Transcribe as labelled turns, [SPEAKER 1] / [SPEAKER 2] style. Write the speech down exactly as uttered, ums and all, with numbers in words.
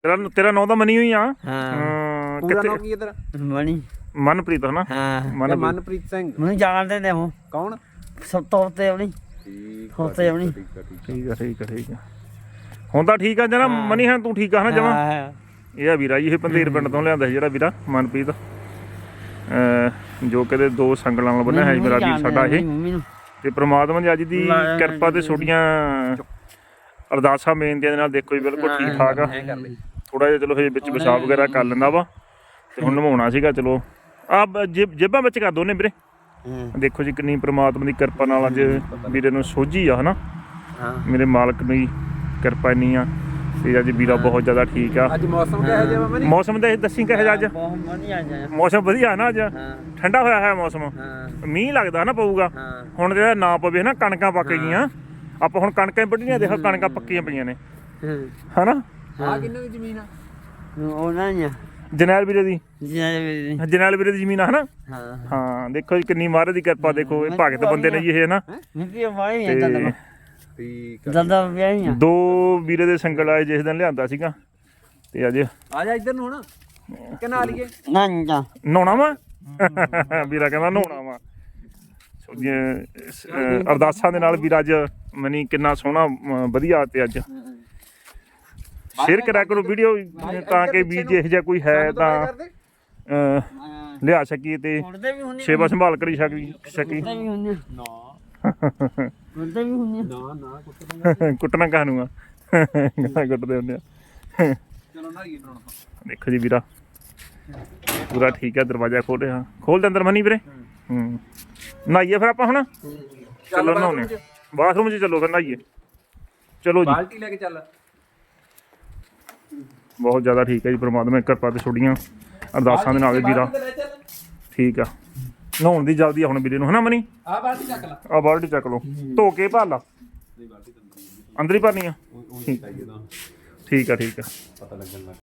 [SPEAKER 1] ਤੇਰਾ ਤੇਰਾ ਨਾਂ ਤਾਂ ਮਨੀ ਹੋਈ ਆ।
[SPEAKER 2] ਹਾਂ
[SPEAKER 3] ਪੂਰਾ ਨਾਮ ਕੀ ਹੈ ਤੇਰਾ?
[SPEAKER 2] ਮਣੀ
[SPEAKER 1] ਮਨਪ੍ਰੀਤ ਹਨਾ।
[SPEAKER 2] ਹਾਂ
[SPEAKER 1] ਮਨ
[SPEAKER 3] ਮਨਪ੍ਰੀਤ ਸਿੰਘ।
[SPEAKER 2] ਮੈਨੂੰ ਜਾਣਦੇ ਨੇ ਉਹ
[SPEAKER 3] ਕੌਣ?
[SPEAKER 2] ਸਭ ਤੋਂ ਉੱਤੇ ਆਉਣੀ
[SPEAKER 3] ਠੀਕ
[SPEAKER 2] ਉੱਤੇ ਆਉਣੀ
[SPEAKER 1] ਠੀਕ ਆ ਠੀਕ ਆ ਠੀਕ ਆ ਹੁਣ ਤਾਂ ਠੀਕ ਆ ਜਨਾ ਮਨੀ ਹਾਂ ਤੂੰ ਠੀਕ ਆ ਹਨਾ ਜਮਾ।
[SPEAKER 2] ਹਾਂ
[SPEAKER 1] ਇਹ ਆ ਵੀਰਾ ਜੀ ਇਹ ਪੰਧੇਰ ਪਿੰਡ ਤੋਂ ਲਿਆਂਦਾ ਸੀ ਜਿਹੜਾ ਵੀਰਾ ਮਨਪ੍ਰੀਤ ਜੋ ਕਿਤੇ ਦੋ ਸੰਗਲਾਂ ਨਾਲ ਬੰਨਿਆ ਹੈ ਮੇਰਾ ਵੀਰ ਸਾਡਾ ਇਹ। ਤੇ ਪ੍ਰਮਾਤਮਾ ਦੀ ਅੱਜ ਦੀ ਕਿਰਪਾ ਤੇ ਛੋਟੀਆਂ ਅਰਦਾਸਾਂ ਬੇਨਤੀਆਂ ਦੇ ਨਾਲ ਦੇਖੋ ਜੀ ਬਿਲਕੁਲ ਠੀਕ ਠਾਕ ਆ। ਥੋੜਾ ਜਿਹਾ ਚਲੋ ਹਜੇ ਵਿੱਚ ਪਿਸ਼ਾਬ ਵਗੈਰਾ ਕਰ ਲੈਂਦਾ ਵਾ ਤੇ ਹੁਣ ਨਵਾਉਣਾ ਸੀਗਾ। ਚਲੋ ਆ ਜੇਬਾਂ ਵਿੱਚ ਕਰ ਦੋਨੇ ਵੀਰੇ। ਦੇਖੋ ਜੀ ਕਿੰਨੀ ਪ੍ਰਮਾਤਮਾ ਦੀ ਕਿਰਪਾ ਨਾਲ ਅੱਜ ਵੀਰੇ ਨੂੰ ਸੋਝੀ ਆ ਹਨਾ। ਮੇਰੇ ਮਾਲਕ ਦੀ ਕਿਰਪਾ ਇੰਨੀ ਆ ਤੇ ਅੱਜ ਵੀਰਾ ਬਹੁਤ ਜ਼ਿਆਦਾ ਠੀਕ ਆ।
[SPEAKER 3] ਅੱਜ ਮੌਸਮ ਕਿਹੋ ਜਿਹਾ ਵਾ?
[SPEAKER 1] ਮੌਸਮ ਦੇ ਦੱਸੀ ਕਿਹੋ ਜਿਹਾ ਅੱਜ? ਮੌਸਮ ਵਧੀਆ ਨਾ ਅੱਜ ਠੰਡਾ ਹੋਇਆ ਹੈ ਮੌਸਮ। ਮੀਂਹ ਲੱਗਦਾ ਨਾ ਪਊਗਾ ਹੁਣ ਜਿਹੜਾ ਨਾ ਪਵੇ ਨਾ ਕਣਕਾਂ ਪੱਕ ਗਈਆਂ ਆਪਾਂ ਹੁਣ ਕਣਕਾਂ ਵੱਢੀਆਂ ਦੇਖੋ ਕਣਕਾਂ ਪੱਕੀਆਂ ਪਈਆਂ ਨੇ ਹਨਾ।
[SPEAKER 3] ਆ ਕਿੰਨੇ ਦੀ ਜ਼ਮੀਨ ਆ?
[SPEAKER 2] ਉਹਨਾਂ ਨੇ
[SPEAKER 1] ਜਨੈਲ ਵੀਰੇ ਦੀ
[SPEAKER 2] ਜਿਹਨਾਂ
[SPEAKER 1] ਜਨੈਲ ਵੀਰੇ ਦੀ ਜ਼ਮੀਨ ਆ ਹਨਾ।
[SPEAKER 2] ਹਾਂ
[SPEAKER 1] ਹਾਂ ਦੇਖੋ ਜੀ ਕਿੰਨੀ ਮਹਾਰਾਜ ਦੀ ਕਿਰਪਾ ਦੇਖੋ ਇਹ ਭਗਤ ਬੰਦੇ ਨੇ ਜੀ ਇਹ ਹਨਾ।
[SPEAKER 2] ਨਿੱਕੀ ਵਾਈ ਹੈ ਤਾਂ
[SPEAKER 3] ਠੀਕ
[SPEAKER 2] ਦਾਦਾ ਵਿਆਹੀ ਆ
[SPEAKER 1] ਦੋ ਵੀਰੇ ਦੇ ਸੰਗਲ ਆਏ ਜਿਸ ਦਿਨ ਲਿਆਂਦਾ ਸੀਗਾ ਤੇ ਅੱਜ
[SPEAKER 3] ਆ ਜਾ ਇੱਧਰ ਨੂੰ ਹੁਣ ਕਿ ਨਾ ਲਈਏ?
[SPEAKER 2] ਨਾ
[SPEAKER 1] ਨਹਾਉਣਾ ਵਾ ਵੀਰਾ ਕਹਿੰਦਾ ਨਹਾਉਣਾ ਵਾ। ਅਰਦਾਸਾਂ ਦੇ ਨਾਲ ਵੀਰਾ ਅੱਜ ਮਨੀ ਕਿੰਨਾ ਸੋਹਣਾ ਵਧੀਆ ਤੇ ਅੱਜ ਸ਼ੇਅਰ ਕਰਿਆ ਕਰੋ ਵੀਡੀਓ ਤਾਂ ਕਿ ਵੀ ਜੇ ਇਹੋ ਜਿਹਾ ਕੋਈ ਹੈ ਤਾਂ ਲਿਆ ਸਕੀਏ ਤੇ ਸੇਵਾ ਸੰਭਾਲ ਕਰੀ ਸਕੀ ਸਕੀ ਕੁੱਟਣਾ ਕਾਹਨੂੰ ਆ ਕੁੱਟਦੇ ਹੁੰਦੇ ਆ।
[SPEAKER 3] ਚਲੋ ਨਾ ਇਹ ਬਣਾਉਣਾ
[SPEAKER 1] ਦੇਖੋ ਜੀ ਵੀਰਾ ਪੂਰਾ ਠੀਕ ਹੈ। ਦਰਵਾਜ਼ਾ ਖੋਲ ਰਿਹਾ ਖੋਲ ਦੇ ਅੰਦਰ ਮਨੀ ਵੀਰੇ। ਹੂੰ ਨਹਾਈਏ ਫਿਰ ਆਪਾਂ ਹੁਣ ਚਲੋ ਨਹਾਉਣੇ ਬਾਥਰੂਮ 'ਚ ਚਲੋ ਫਿਰ ਨਹਾਈਏ ਚਲੋ ਜੀ।
[SPEAKER 3] ਬਾਲਟੀ ਲੈ ਕੇ ਚੱਲ।
[SPEAKER 1] ਬਹੁਤ ਜ਼ਿਆਦਾ ਠੀਕ ਹੈ ਜੀ ਪਰਮਾਤਮਾ ਦੀ ਕਿਰਪਾ ਤੇ ਛੋੜੀਆਂ ਅਰਦਾਸਾਂ ਦੇ ਨਾਲ ਵੀਰਾ ਠੀਕ ਆ। ਨਹਾਉਣ ਦੀ ਜਲਦੀ ਆ ਹੁਣ ਵੀਰੇ ਨੂੰ ਹਨਾ ਮਨੀ।
[SPEAKER 3] ਆ ਬਾਲਟੀ ਚੱਕ ਲਾ।
[SPEAKER 1] ਆ ਬਾਲਟੀ ਚੱਕ ਲਓ ਧੋ ਕੇ ਭਰ ਲਾ ਅੰਦਰ ਹੀ ਭਰਨੀ ਆ। ਠੀਕ ਆ ਠੀਕ ਆ ਪਤਾ ਲੱਗਣ ਲੱਗ